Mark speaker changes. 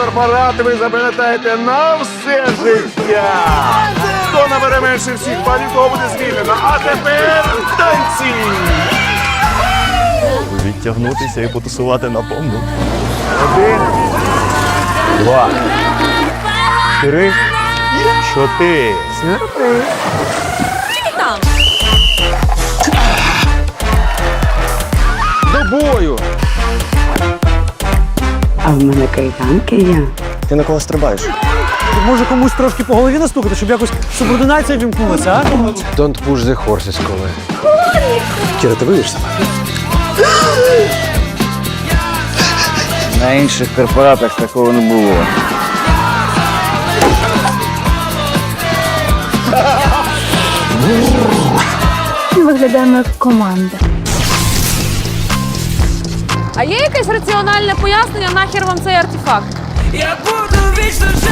Speaker 1: корпорат ви запам'ятаєте на все життя. Хто набере менше всіх балів, того буде звільнено. А тепер танці!
Speaker 2: Відтягнутися і потусувати на повну.
Speaker 1: 1,
Speaker 2: 2, 3, 4.
Speaker 1: до бою!
Speaker 3: А в мене кайданки є.
Speaker 2: Ти на кого стрибаєш?
Speaker 4: Може комусь трошки по голові настукати, щоб якось субординація вімкнулася, а?
Speaker 5: Don't push the horses, коли.
Speaker 2: Кіра, ти вийдеш сама?
Speaker 5: На інших корпоратах такого не було.
Speaker 6: Ми виглядаємо як команда.
Speaker 7: А є якесь раціональне пояснення, нахер вам цей артефакт?
Speaker 8: Я буду вічно